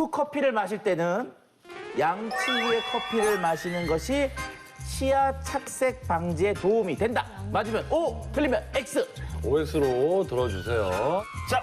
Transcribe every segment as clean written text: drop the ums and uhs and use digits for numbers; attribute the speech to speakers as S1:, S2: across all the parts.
S1: 식후 커피를 마실 때는 양치 후에 커피를 마시는 것이 치아 착색 방지에 도움이 된다. 맞으면 O, 틀리면 X.
S2: OX로 들어주세요.
S3: 자,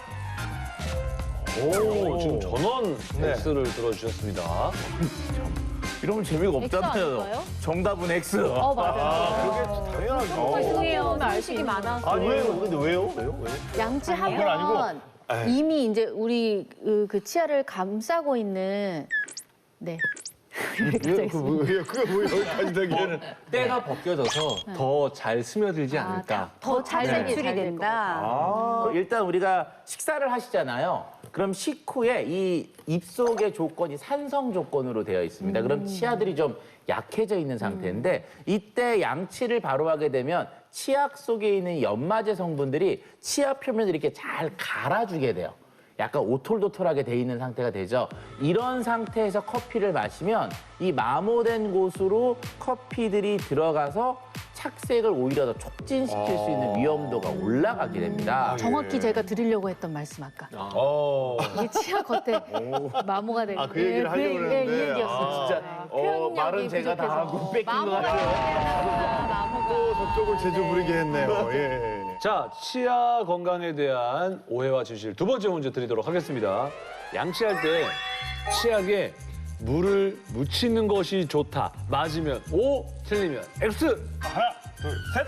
S2: 오, 지금 전원
S3: 네.
S2: X를 들어주셨습니다.
S1: 이러면 재미가 없잖아요.
S4: 아닐까요?
S1: 정답은 X.
S4: 맞아요.
S3: 그게 당연하죠.
S4: 죄송해요. 음식이 많아서.
S3: 아니, 왜요? 근데 왜요? 왜요? 왜? 그건
S5: 양치하면
S3: 아니고.
S5: 이미 이제 우리 그 치아를 감싸고 있는 네.
S3: 그게 뭐 여기까지 되기에는.
S6: 때가 벗겨져서 더 잘 스며들지 않을까.
S5: 더 잘
S4: 배출이 된다.
S1: 일단 우리가 식사를 하시잖아요. 그럼 식후에 이 입속의 조건이 산성 조건으로 되어 있습니다. 그럼 치아들이 좀 약해져 있는 상태인데 이때 양치를 바로 하게 되면 치약 속에 있는 연마제 성분들이 치아 표면을 이렇게 잘 갈아주게 돼요. 약간 오톨도톨하게 돼 있는 상태가 되죠. 이런 상태에서 커피를 마시면 이 마모된 곳으로 커피들이 들어가서 착색을 오히려 더 촉진시킬 수 있는 위험도가 올라가게 됩니다.
S5: 정확히 제가 드리려고 했던 말씀 아까. 이게 치아 겉에 마모가 되고.
S3: 그 얘기를 하려고
S5: 이
S3: 그랬는데.
S5: 얘기였어요.
S1: 진짜
S5: 표현력이
S1: 말은 제가 다
S5: 부족해서.
S1: 하고 뺏긴 것 같아요.
S3: 또 저쪽을 제조 부리게 했네요. 예.
S2: 자, 치아 건강에 대한 오해와 진실 두 번째 문제 드리도록 하겠습니다. 양치할 때 치약에 물을 묻히는 것이 좋다. 맞으면 O, 틀리면 X.
S3: 하나, 둘, 셋.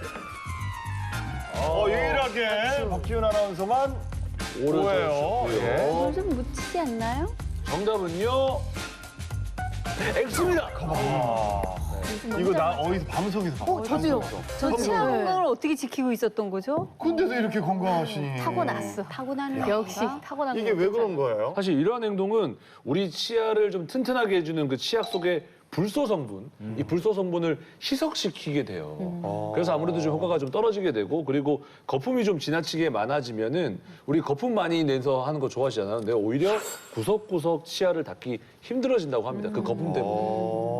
S3: 유일하게 박지훈 아나운서만
S2: O를
S3: 오해요.
S2: 들어주셨고요.
S5: 좀 묻히지 않나요?
S2: 정답은요, X입니다.
S3: 이거 나 어디서 방송에서 봤어.
S5: 저도요. 저 치아 건강을
S4: 어떻게 지키고 있었던 거죠?
S3: 근데도 이렇게 건강하시니.
S5: 타고났어.
S4: 타고나는
S5: 역시 타고난
S3: 이게 왜 그런 거예요?
S2: 사실 이러한 행동은 우리 치아를 좀 튼튼하게 해주는 그 치약 속의 불소 성분, 이 불소 성분을 희석시키게 돼요. 그래서 아무래도 좀 효과가 좀 떨어지게 되고, 그리고 거품이 좀 지나치게 많아지면은 우리 거품 많이 내서 하는 거 좋아하시잖아요. 근데 오히려 구석구석 치아를 닦기 힘들어진다고 합니다. 그 거품 때문에.